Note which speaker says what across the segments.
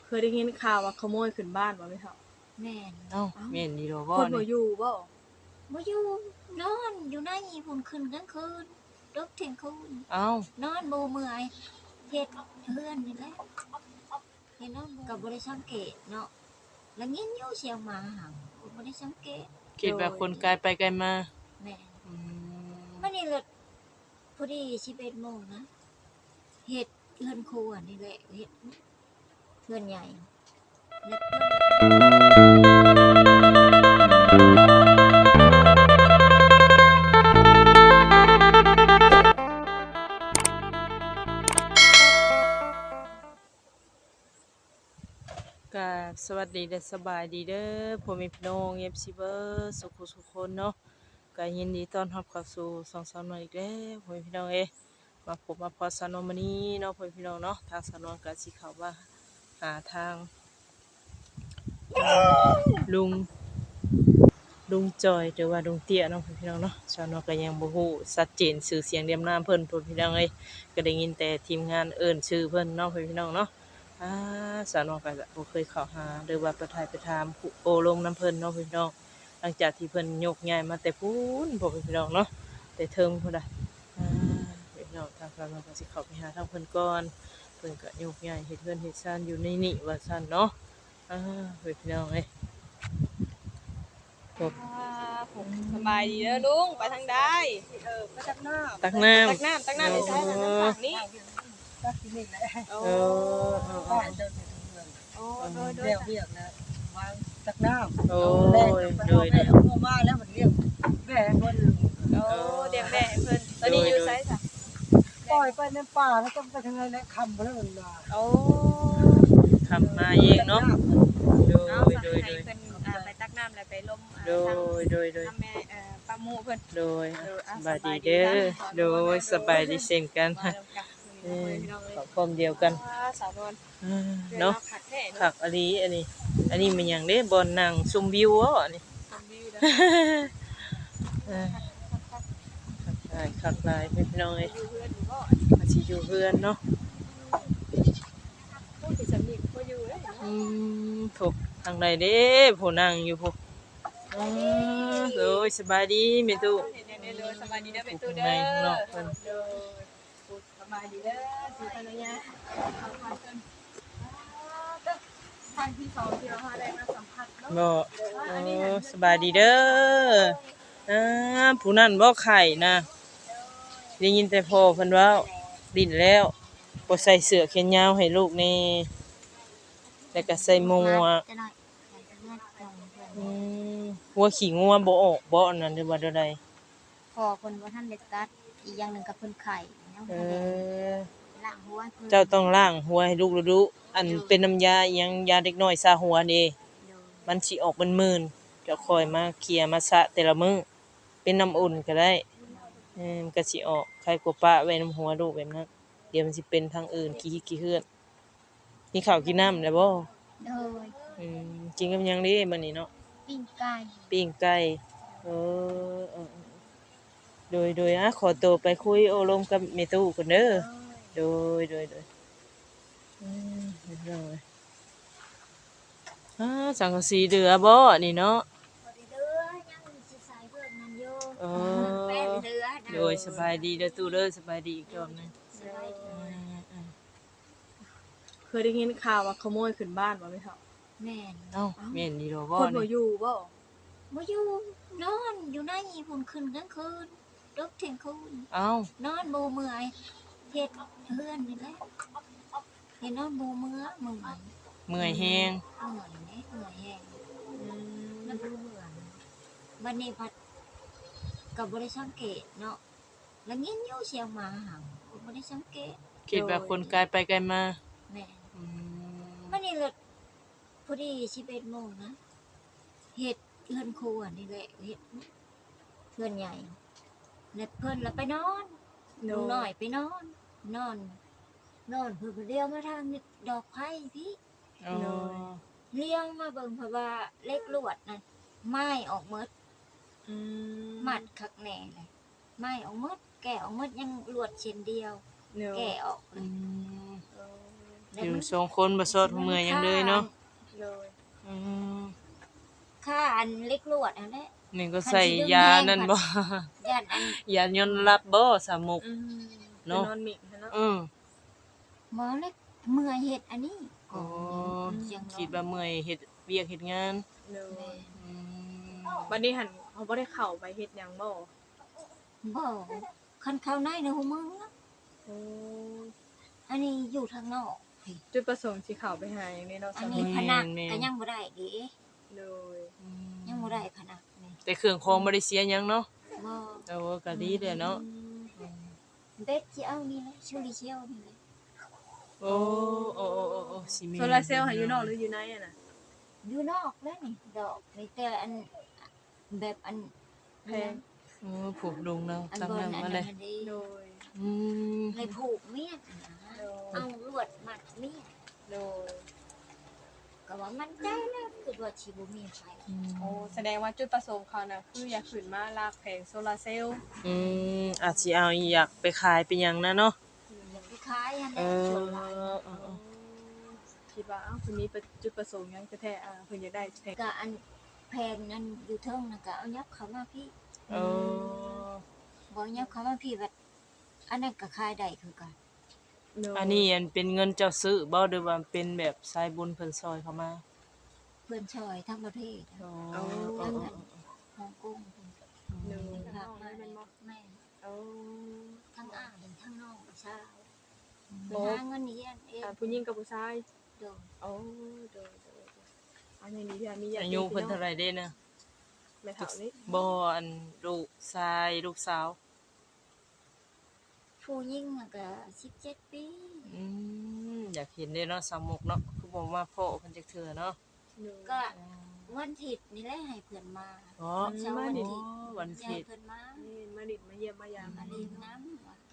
Speaker 1: เคยได้ยินข่าวว่าขโมยขึ้นบ้านบ่แม่เฒ่า
Speaker 2: แม่น
Speaker 3: เอ้า
Speaker 1: อ้าว
Speaker 3: แม่นอีหลีบ่
Speaker 1: คนบ่
Speaker 3: นี่
Speaker 1: อยู่บ่
Speaker 2: บ่อยู่นอนอยู่ในพุ่นคืนกลางคืนดึกเที่ยงคืน
Speaker 3: เอ้าน
Speaker 2: อนบ่เมื่อยเฮ็ดเฮือนนี่แหละเฮ็ดนอนก็บ่ได้สังเกตเนาะแล้วยินอยู่เสียงหมาเห่าก็บ่ได้สังเกต
Speaker 3: คิดว่าคนไกลไปไกลมา
Speaker 2: แม่น
Speaker 3: อืม
Speaker 2: มื้อนี้เลิศพอดี11โมงนะเฮ็ดเฮือนครัวนี่แหละเฮ็ดเฮือนใหญ่แล้วเพิ่น
Speaker 3: ก็สวัสดีและสบายดีเด้อพ่อแม่พี่น้อง FC เบิดสุขสุขคนเนาะก็ยินดีต้อนรับเข้าสู่ช่องสาวน้อยอีกแล้วพ่อแม่พี่น้องมาพบมาพอสาวนวลมื้อนี้เนาะพ่อแม่พี่น้องเนาะทางสาวนวลก็สิเข้ามาหาทางลุงจอยหรือว่าลุงเตี้ยเนาะพ่อแม่พี่น้องเนาะสาวนวลก็ยังบ่ฮู้ชัดเจนชื่อเสียงเรียมนามเพิ่นพ่อแม่พี่น้องก็ได้ยินแต่ทีมงานเอิ้นชื่อเพิ่นเนาะพ่อแม่พี่น้องเนาะ อาสาวนองก็บ่เคยเข้าหาหรือว่าไปถ่ายไปถามผู้โอ้ลมน้ำเพิ่นเนาะพี่น้องหลังจากที่เพิ่นยกย้ายมาแต่พู้นพ่อพี่น้องเนาะแต่เทิงพุ่นน่ะอาพี่น้องทางสาวนองก็สิเข้าไปหาทางเพิ่นก่อนเพิ่นก็ยกย้ายเฮ็ดเรือนเฮ็ดซ่านอยู่ในนี้ว่าซั่นเนาะอาพี่น้องพบ
Speaker 1: ผมสบายดีเด้อลุงไปทางใดไปตักน้ำ
Speaker 3: ตักน้ำ
Speaker 1: ตักน้ำได้ใช่น้ำฝั่งนี้
Speaker 4: ก็ที่นี่แหละ
Speaker 1: โอ้
Speaker 3: เอ
Speaker 4: บ้านเดินไปทางเมือง
Speaker 1: โอ้โดยโดย
Speaker 4: เรียกเรียกนะวางตักน้ำ
Speaker 3: โอ้
Speaker 4: แม่
Speaker 3: ย
Speaker 4: ไป
Speaker 3: โดย
Speaker 4: เอาแม่เอามาแล้วมันเรียกแม่คน
Speaker 1: โอ้เลี้ยงแม่ให้เพิ่นตอนนี้อยู่ไสจ้ะ
Speaker 4: ปล่อยไปในป่าแล้วต้องไปทางไหนแล้วคำไปแล้วมันมา
Speaker 1: โอ้
Speaker 3: ทำมาเองเนาะโด
Speaker 1: เอา
Speaker 3: ย
Speaker 1: สั่ง
Speaker 3: โดย
Speaker 1: ให้
Speaker 3: โดย
Speaker 1: เพิ่นไปตักน้ำแล้วไปลม
Speaker 3: โด
Speaker 1: ทาง
Speaker 3: ยโดยโดย
Speaker 1: ทำแม่ป้าหมู่เพิ่น
Speaker 3: โดยสบายดี
Speaker 1: สบายดี
Speaker 3: เด้อ
Speaker 1: นะ
Speaker 3: โดยสบายดีเช่นกัน
Speaker 1: มาลงกันพี่น้องเลย
Speaker 3: ขอความเดียวกัน
Speaker 1: สาวนวล
Speaker 3: เนาะ
Speaker 1: ผักแท้เนาะ
Speaker 3: ผักอันนี้อันนี้มันหยังเด้บอนนั่งชมวิวอ๋ออันนี้
Speaker 1: ทำวิวนะ
Speaker 3: เออคักหลายพี่น้องเอ้ย
Speaker 1: อยู่เพื่อนอยู่บ่
Speaker 3: อาสิอยู่เพื่อนเนาะ
Speaker 1: พูดถึงสำนีก็อยู่เลย
Speaker 3: ถูกทางใดเด้ผู้นั่งอยู่ผู้โดยสบายดีแม่ตู้
Speaker 1: เด้อสบายดีเด้อเป็นตู้
Speaker 3: ใน
Speaker 1: เด้อ
Speaker 3: ข้างนอกเพิ่น
Speaker 1: เด้อสบายดีเด้อสิภรรยาเอาพาเพิ่นทางที่สองที่เราได้มาสัมผัสเนาะ
Speaker 3: บ่สบายดีเด้อผู้นั้นบ่ไข่นะได้ยินแต่พ่อเพิ่นเว้าดิ้นแล้วบ่ใส่เสื้อแขนยาวให้ลูกนี่แล้วก็ใส่หมวก
Speaker 2: จะหน่อยใส่เฮือนตรงเพิ่น
Speaker 3: หัวขี้งัวบ่ออกบ่อันนั้นหรือว่าใด
Speaker 2: พอเพิ่นบ่ทันได้ตัดอีกอย่างหนึงก็เพิ่นไข่ยัง
Speaker 3: เอ
Speaker 2: บ่ได้
Speaker 3: อ
Speaker 2: ล้างหัวให้เพิ่น
Speaker 3: เจ้าต้องล้างหัวให้ลูกดูๆอันเป็นน้ำยาอิหยังยาเด็กน้อยซาหัวนี่
Speaker 2: โดย
Speaker 3: มันสิออกมึนๆเจ้าค่อยมาเคลียร์มาสระแต่ละมื้อเป็นน้ำอุ่นก็ได้มันก็สิออกใครกลัวปะไว้น้ำหัวลูกแบบนั้นเดี๋ยวมันสิเป็นทางอื่นขี้เหือนกินข้าวกินน้ำแล้วบ่
Speaker 2: โดย
Speaker 3: กินกับหยังเด้บัดนี้เนาะ
Speaker 2: ปิ้งไก่
Speaker 3: ปิ้งไก่เอโดยขอตัวไปคุยโอลมกับแม่ตู้ก่อนเด้อโดยเรียบร้อยสังกะสีเดือบ่นี่เนาะ
Speaker 2: บ่ได้เด้อยังสิใส่เพิ่นนั่นอยู่
Speaker 3: เอ
Speaker 2: แป้ง
Speaker 3: อ
Speaker 2: เด้อ
Speaker 3: โดยสบายดีเด้อตู้เด้อสบายดีอีกรอบหนึง
Speaker 2: สบายดี
Speaker 1: เคยได้ยินข่าวว่าขโมยขึ้นบ้านบ่แม่เฒ่า
Speaker 2: แม่น
Speaker 3: เอ้าแม่นดีดอกบ่
Speaker 1: คนบ่
Speaker 3: นี่
Speaker 1: อยู่บ่
Speaker 2: บ่อยู่นอนอยู่ในพุ่นคืนกลางคืนดึกเที่ยงคืน
Speaker 3: เอ้าน
Speaker 2: อนบ่เมื่อยเฮ็ดเฮือนนี่แหละเฮ็ดนอนบ่เมื่อย
Speaker 3: เมื่อยแฮง
Speaker 2: เมื่อยแฮงมันบ่เมื่อยบัดนี้พัดก็บ่ได้สังเกตเนาะแล้วยินอยู่เสียงหมาเห่าก็บ่ได้สังเกต
Speaker 3: คิดว่าคนไกลไปไกลมา
Speaker 2: แม่น
Speaker 3: อืม
Speaker 2: มื้อนี้เลิศพอดี11โมงนะเฮ็ดเฮือนครัวนี่แหละเฮ็ดเฮือนใหญ่แล้วเพิ่นแล้วไปนอนลุงน้อยไปนอนนอนเพิ่นก็เลี้ยวมาทางดอกไผ่พี่
Speaker 3: อ๋อ
Speaker 2: เลี้ยงมาเบิ่งเพราะว่าเล็กลวดนั่นไม้ออกหมด หมัดคักแหน่เลยไม้ออกหมดแกะออกหมดยังลวดเส้นเดียว แกะออกเล
Speaker 3: อื
Speaker 2: ย
Speaker 3: มอยู่สองคนบ่ซอดหัวเมื่อยหยังเลยเนาะ
Speaker 1: โดย
Speaker 3: อืม
Speaker 2: ค่าอันเล็กลวดอันนั้น
Speaker 3: นี่ก็ใส่ยานั่นบ่
Speaker 2: ย่านอัน
Speaker 3: ยานอนหลับบ่สามมุก
Speaker 1: อืม
Speaker 3: เนาะ
Speaker 1: นอนหมิกเนาะ
Speaker 3: อือ
Speaker 2: หมอเล็กเมื่อยเฮ็ดอันนี้
Speaker 3: อ๋อ
Speaker 2: ยัง
Speaker 3: คิดว่าเมื่อยเฮ็ดเวียกเฮ็ดงาน
Speaker 1: โด
Speaker 2: แม่
Speaker 1: ย
Speaker 3: อืม
Speaker 1: บัดนี้หันเขาบ่ได้เข้าไปเฮ็ดหยังบ่
Speaker 2: บ่คันเข้าในในหูมึงนะ
Speaker 1: โอ้
Speaker 2: อันนี้อยู่ทางนอกพี่
Speaker 1: จุดประสงค์สิเข้าไปหาหยังนี่เนาะ
Speaker 2: อันนี้ผนักก็ยังบ่ได้เด้
Speaker 1: โดย
Speaker 2: ยังบ่ได้ผนักนี่
Speaker 3: แต่เครื่องของบ่ได้เสียหยังเนาะ
Speaker 2: บ่
Speaker 3: เออก็ดีแหละเนาะ
Speaker 2: เบ็ดสิเอานี่แหละชูริเชียวนี่แหละ
Speaker 3: โอ้โอ้โอ้โอ้สิมี
Speaker 1: โซลาร์เซลล์หาอยู่นอกหรืออยู่ในอะน่ะ
Speaker 2: อยู่นอกแล้วนี่ดอกนี่แต่อันแบบอัน
Speaker 1: แพง
Speaker 3: เออผูกลงแล้ว
Speaker 2: อัน
Speaker 3: ตั้ง
Speaker 2: บน
Speaker 3: น้ำ
Speaker 2: อัน
Speaker 3: มาเล
Speaker 2: นั้
Speaker 3: ย
Speaker 2: นดี
Speaker 1: โดย
Speaker 3: อืม
Speaker 2: ในผูกเมียดนะ
Speaker 1: โดย
Speaker 2: เอาลวดมัดเมียด
Speaker 1: โดย
Speaker 2: ก็ว่ามันใจแล้วคือว่าสิบ่มีไฟ
Speaker 1: โอ้แสดงว่าจุดประสงค์เขาน่ะคืออยากขึ้นมาลากแผงโซลาร์เซลล์
Speaker 3: อืมอาจสิเอาอยากไปขายเป็นหยังนะเนาะ
Speaker 2: อยากไปขายอัน
Speaker 3: เอ
Speaker 2: นั้น
Speaker 3: อ
Speaker 2: ส่วนหลาย
Speaker 3: เออ
Speaker 1: คิดว่าอ้าวคุณมีจุดประสงค์หยังแท้ๆเพิ่นอยากได้แผง
Speaker 2: ก็อันแพงนั้นอยู่เทิงน่ะก็เอายับเข้ามาพี่
Speaker 3: เออ
Speaker 2: บ่ยับเข้ามาพี่แบบอันนั้นก็ขายได้คือกัน
Speaker 1: โดย
Speaker 3: อันนี้อันเป็นเงินเจ้าซื้อบ่หรือว่าเป็นแบบสายบุญเพิ่นซอยเข้ามา
Speaker 2: เพื่อนช่วยทั้งประเทศ
Speaker 3: อ๋อ
Speaker 2: ทั้งอันฮ่องกง
Speaker 1: โดย
Speaker 2: เป็นภาคมา
Speaker 1: แม่นบ่
Speaker 2: แม่
Speaker 1: โอ้
Speaker 2: ทั้งอ้ายทั้งน้องชาว
Speaker 1: โอ้
Speaker 2: หาเงินเรียนเอง
Speaker 1: ผู้หญิงกับผู้ชาย
Speaker 2: โดน
Speaker 1: โอ้โดยอันนี้พี่มีญาติ
Speaker 3: อายุเพิ่นเท่าไหร่เด้นะ
Speaker 1: แม่เฒ่านี่
Speaker 3: บ่อันลูกชายลูกสาว
Speaker 2: ผู้หญิงน่ะก็17 ปี
Speaker 3: อืมอยากเห็นเด้เนาะสามมุกเนาะคือบ่มาพ้อเพิ่นจักเทื่อเนาะ
Speaker 2: ก็วันอาทิตย์นี่แหละให้เพื่อนมา
Speaker 3: อ๋อ
Speaker 2: วันเสาร์วันอาทิตย์
Speaker 3: วันอา
Speaker 2: ให้
Speaker 3: ทิตย์
Speaker 2: เพื่อนมา
Speaker 1: นี่มาดิดมาเยี่ยมมายาม
Speaker 2: มาเล่นน้ำว่ะ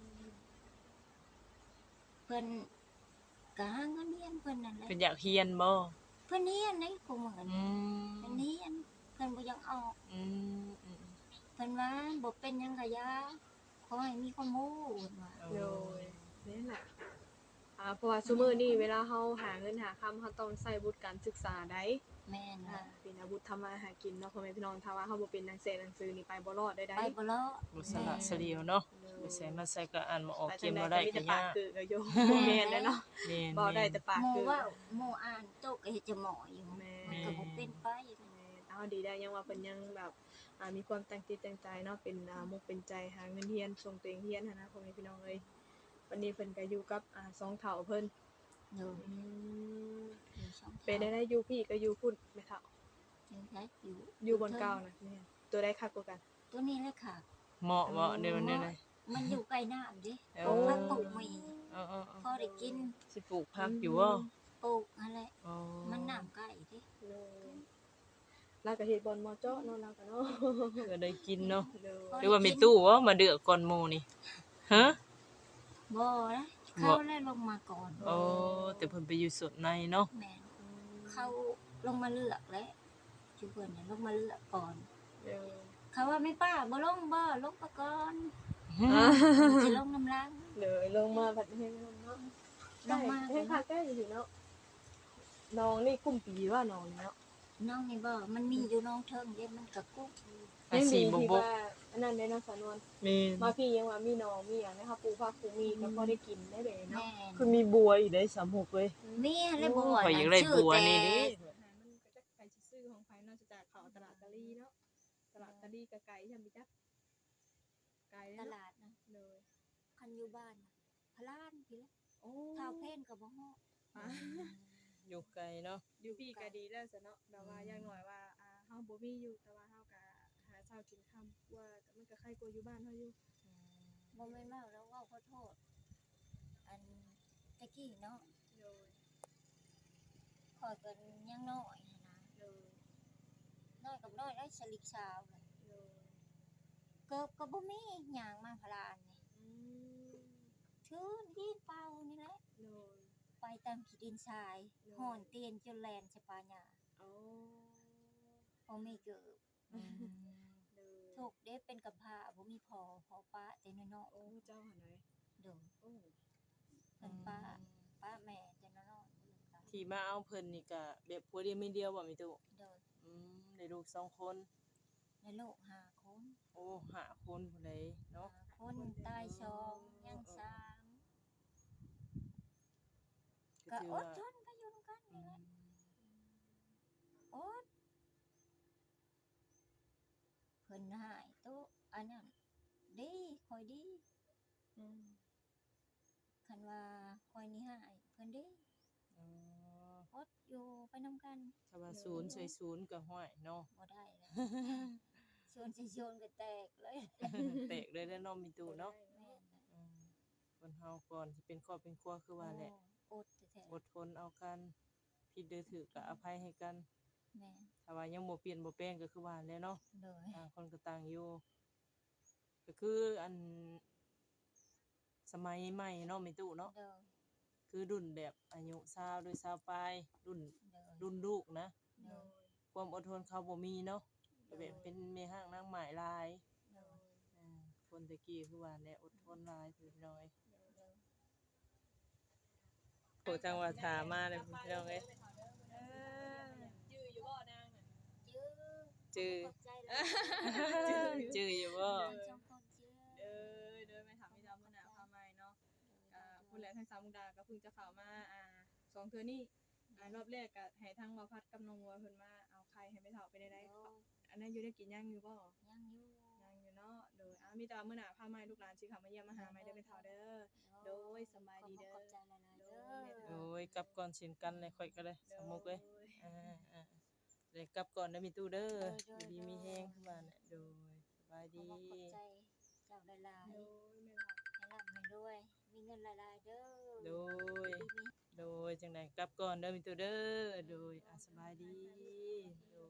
Speaker 2: เพื่อนก็หาเงินเรียนเพื่อนนั่นแหละ
Speaker 3: เพิ่นอยากเรียนบ่
Speaker 2: เพื่อนเรียนนี่กูเหมือน
Speaker 3: อืม
Speaker 2: เพื่อนเรียนเพื่อนบ่อยังออก
Speaker 3: อืมอืม
Speaker 2: เพิ่นว่าบ่เป็นหยังกะยาขอให้มีความรู้เพิ่นว่า
Speaker 1: โดยนี่แหละเพราะว่าซุมื้อนี้เวลาเฮาหาเงินหาคำเฮาต้องใช้วุฒิการศึกษาได้
Speaker 2: แม่นว่า
Speaker 1: เป็นอาวุธทำมาหากินเนาะพ่อแม่พี่น้องถ้าว่าเฮาบ่เป็นหนังสือนี่ไปบ่รอดได้
Speaker 2: ไปบ่รอด
Speaker 3: บ่สละสะเลียวเนาะไปใส่มาใส่ก็อ่านบ่ออก
Speaker 1: แต่
Speaker 3: เก
Speaker 1: จั
Speaker 3: ม
Speaker 1: ง
Speaker 3: บ่
Speaker 1: ได๋
Speaker 3: ได้
Speaker 1: ก็มี
Speaker 3: ก็
Speaker 1: แต่ปาย
Speaker 3: าก ก
Speaker 1: คือก็อยู่แม่นได้เนาะ
Speaker 3: แม่น
Speaker 1: บ่ได้แต่ปาก
Speaker 2: หมู่
Speaker 1: คือ
Speaker 2: ว่าหมู่อ่านโตก็เฮ็ดจะหมออยู่
Speaker 1: แม่
Speaker 2: มันก็บ่เป็นไป
Speaker 1: เอาดีได้ยังว่าเพิ่นยังแบบมีความตั้งจิตตั้งใจเนาะเป็นมุกเป็นใจหาเงินเรียนส่งตัวเองเรียนหั้นนะพ่อแม่พี่น้องเอ้ยวันนี้เพิ่นก็อยู่กับสองเฒ่าเพิ่น
Speaker 2: เด้ออยู่ช่อง
Speaker 1: เป็นได้อยู่พี่ก็อยู่พุ่นแม่เฒ่า
Speaker 2: ยังได้อยู่
Speaker 1: อยู่บนเก่านะแม่ตัวได้คักกว่ากัน
Speaker 2: ตัวนี้เลยค่ะ
Speaker 3: เหมาะบ่เดี๋ยวนี้เลย
Speaker 2: มันอยู่ใกล้น้ำเด้
Speaker 3: โอ้
Speaker 2: พักปลูกมี
Speaker 3: เออๆ
Speaker 2: พอได้กิน
Speaker 3: ๆสิปลูกผักอยู่บ่
Speaker 2: ปลูกนั่นแหละ
Speaker 3: อ๋อ
Speaker 2: มันน้ำใกล้เด้
Speaker 1: ลาก็เฮ็ดบอลมอเจาะเนาะลาก็เนาะ
Speaker 3: ก็ได้กินเนาะ
Speaker 1: เด้อ
Speaker 3: หรือว่ามีตู้บ่มาเดือกก่อนหมู่นี่ฮะ
Speaker 2: บ่นะเขาแล้วลงมาก่อน
Speaker 3: โอ้แต่เพิ่นไปอยู่สุดในเนาะ
Speaker 2: แม่นเขาลงมาเลือกแล้วจุเพิ่นน่ะลงมาเลือกก่อน
Speaker 1: เด้อ
Speaker 2: เขาว่าไม่ป้าบ่ลงบ่ลงปะก่อนสิลงน้ำลัง
Speaker 1: เด้อลงมาบัดนี้เนาะ
Speaker 2: ลงมา
Speaker 1: ให้คักได้อยู่เนาะน้องนี่กุ้มปีว่าน้องเนาะ
Speaker 2: น้องนี่บ่มันมีอยู่น้องเทิงเด้มันก็กุ๊ก
Speaker 3: อาชีพบ่
Speaker 1: ที่
Speaker 3: บ่
Speaker 1: ว่าอันนั้นได้เนาะสานวน
Speaker 3: แม่น
Speaker 1: มาพี่ยังว่ามีน้องมีหยังนะคะปูผักปูมีก็พอได้กินได้เลยเนาะ
Speaker 2: แม่น
Speaker 3: คือมีบัวอยู่ได้36เว้ย
Speaker 2: มีอะไรบ่
Speaker 3: ข่อยอยากได้บัวนี่ดิ
Speaker 1: มันก็จะไปซื้อของไผเนาะจะจากเขาตลาดตะลีเนาะตลาดตะลีก็ไกลใช่มั้ยจ๊ะไกล
Speaker 2: ต
Speaker 1: เนาะ
Speaker 2: ลาดนะ
Speaker 1: เลย
Speaker 2: คันอยู่บ้านน่ะพะลานพี่ละ
Speaker 1: โอ้
Speaker 2: เท้าเพนก็บ่ฮู้
Speaker 3: อยู่ไกลเนาะ
Speaker 1: อยู่พี่ก็ดีแล้วซะเนาะแต่ว่าอย่างน้อยว่าเฮาบ่มีอยู่แต่ว่าเฮาก็หาเช้ากินค่ำว่ามันก็ใครกว่าอยู่บ้านเฮาอยู่
Speaker 2: บ่แม่นเมาแล้วเว้าขอโทษอันตะกี้เนาะ
Speaker 1: เลย
Speaker 2: ข่อยก็ยังน้อยหั้นนะ
Speaker 1: เลย
Speaker 2: น้อยกับน้อยได้สลิกสาวน่ะ
Speaker 1: เลย
Speaker 2: เกิบก็บ่มีหยังมาพะลานนี่
Speaker 1: อืม
Speaker 2: ถือดินเปล่านี่แหละ
Speaker 1: เลย
Speaker 2: ไปตามขี้ดินทรายห่อนเตียนจนแลนสปาหญ้า
Speaker 1: โอ้
Speaker 2: บ่มีเกิบ
Speaker 1: เลย
Speaker 2: ทุกเด้เป็นกำพร้าบ่มีพ่อป้าแต่น้อย
Speaker 1: โอ้เจ้าหาไหน
Speaker 2: ๆเด้อ
Speaker 1: โอ้
Speaker 2: เพิ่นป้าแม่แต่
Speaker 3: ที่มาเอาเพิ่นนี่ก็แบบผัวเดียวเมียเดียวบ่มีตู้
Speaker 2: โดย
Speaker 3: ได้ลูก2คน
Speaker 2: ในโลกห้าคน
Speaker 3: โอ้ห้าคนพุ่นเลยเนาะ
Speaker 2: ห้าคนตายสองยังสามก็
Speaker 3: ถื
Speaker 2: อ
Speaker 3: ว่า
Speaker 2: ดทนไปอยู่นำกันนี่แหละอดเพิ่นหายตู้อันนั้นดีคอยดี
Speaker 1: อืม
Speaker 2: คันว่าคอยนี่หายเพิ่นดี
Speaker 3: อ๋อ
Speaker 2: อดอยู่ไปนำกัน
Speaker 3: ถ้าว่าศูนย์ใส่ศูนย์ก็ห้อยเนาะ
Speaker 2: บ่ได้แล้วชวนสิชวนก็แตกเลย
Speaker 3: แตกเลยแล้วเนาะมีตู้เนาะ
Speaker 2: แม่นน่ะ
Speaker 3: คนเฮาก่อนสิเป็นครอบเป็นครัวคือว่าแหละ
Speaker 2: โอ้อดแท้
Speaker 3: อดทนเอากันผิดหรือถูกก็อภัยให้กัน
Speaker 2: ๆแม่น
Speaker 3: ถ้าว่ายังบ่เปลี่ยนบ่แปลงก็คือว่าแหล้วเนาะ
Speaker 2: โดย
Speaker 3: ต่างคนก็ต่างอยู่ก็คืออันสมัยใหม่เนาะมีตู้เนาะ
Speaker 2: โดย
Speaker 3: คือรุ่นแบบอายุ20ด้วย20ปลายรุ่น
Speaker 2: โดย
Speaker 3: รุ่นลูกนะ
Speaker 2: โดย
Speaker 3: ความอดทนเขาบ่มีเนาะก็แบบเป็นแม่ห้างนางหมายหลาย
Speaker 2: โดย
Speaker 3: คนตะกี้คือว่าแน่อดทนหลายพี่น้อย
Speaker 2: โดย
Speaker 3: โหจังหวัดถามาเลยพี่น้องเอ้ย
Speaker 1: จื้ออยู่บ่นางน่ะ
Speaker 2: จื้อ
Speaker 3: จื้อ
Speaker 2: ขอบใจหลาย
Speaker 3: จื้ออยู่บ่
Speaker 2: สองคนจื้อ
Speaker 1: เดินไปถามพี่ดาวมื้อหน้าพาใหม่เนาะผู้แลทางสามมุกดาก็เพิ่งจะเข้ามาสองเทื่อนี้รอบแรกก็ให้ทางบ่าวพัดกับน้องวัวเพิ่นมาเอาไข่ให้ไปเฒ่าไปได้อันนั้นอยู่ได้กินยังอยู่บ่
Speaker 2: ยังอยู่
Speaker 1: ยังอยู่เนาะโดยมีแต่ว่ามื้อหน้าพาใหม่ลูกหลานสิเข้ามาเยี่ยมมาหาใหม่เด้อไปเฒ่าเด้อ โดยสบายดีเด้อ
Speaker 2: ขอบใจหลายๆเด้อ
Speaker 3: โอ้ยกลับก่อนเช่นกันเลยค่อยก็ได้สมุกเอ้ยเลยกลับก่อนนะมีตู้เด้ออยู่ดีมีแฮงคือว่าน่ะโดยสบายดี
Speaker 2: ขอบใจเจ้าหลาย
Speaker 1: โด
Speaker 2: ๆ
Speaker 1: ยแม่ล่ะ
Speaker 2: ให้ร่ำให้รวย มีเงินหลายๆเด้อ
Speaker 3: โดย โดยจังไดกลับก่อนเด้อมีตู้เด้อโดยสบายดีโดย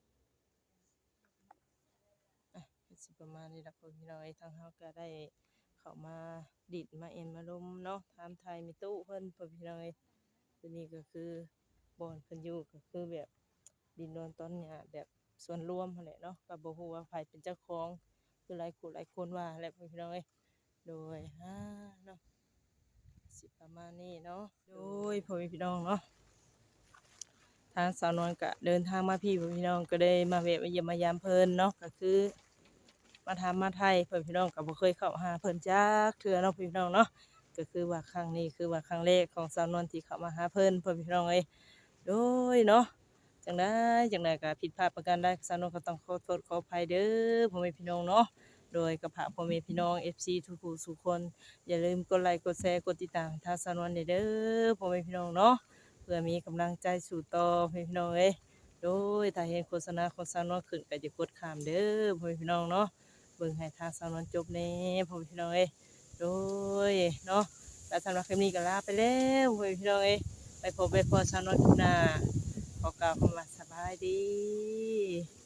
Speaker 3: ก็สิประมาณนี้ล่ะพ่อพี่น้องเอ้ยทางเฮาก็ได้เข้ามาดิดมาเอ็นมาลมเนาะถามไทยมีตู้เพิ่นพ่อพี่น้องเอ้ยตัวนี้ก็คือบ่อนเพิ่นอยู่ก็คือแบบดินโดนต้นหญ้าแบบส่วนรวมนั่นแหละเนาะก็บ่ฮู้ว่าไผเป็นเจ้าของคือหลายคนว่าแหละพ่อพี่น้องเอ้ยโดยเนาะสิประมาณนี้เนาะโดยพ่อพี่น้องเนาะทางสาวนวลก็เดินทางมาพี่พ่อพี่น้องก็ได้มาแวะมาเยี่ยมมายามเพิ่นเนาะก็คือมาถามมาไทยพ่อพี่น้องก็บ่เคยเข้าหาเพิ่นจักเทื่อเนาะพี่น้องเนาะก็คือว่าครั้งนี้คือว่าครั้งแรกของสาวนวลที่เข้ามาหาเพิ่นพ่อพี่น้องเอ้ยโดยเนาะจังไดก็ผิดพลาดประการใดสาวนวลก็ต้องขอโทษขออภัยเด้อพ่อแม่พี่น้องเนาะโดยกับพ่อแม่พี่น้อง FC ทุกผู้ทุกคนอย่าลืมกดไลค์กดแชร์กดติดตามทางสาวนวลเด้อพ่อแม่พี่น้องเนาะเพื่อมีกำลังใจสู่ต่อพ่อแม่พี่น้องเอ้ยโดยถ้าเห็นโฆษณาของสาวนวลขึ้นก็อย่ากดข้ามเด้อพ่อแม่พี่น้องเนาะเบิ่งให้ทางสาวนวลจบแน่พ่อแม่พี่น้องเอ้ยโดยเนาะและสำหรับคลิปนี้ก็ลาไปแล้วพ่อแม่พี่น้องเอ้ยไปพบไปพอสาวนวลคลิปหน้าขอกล่าวคำว่าสบายดี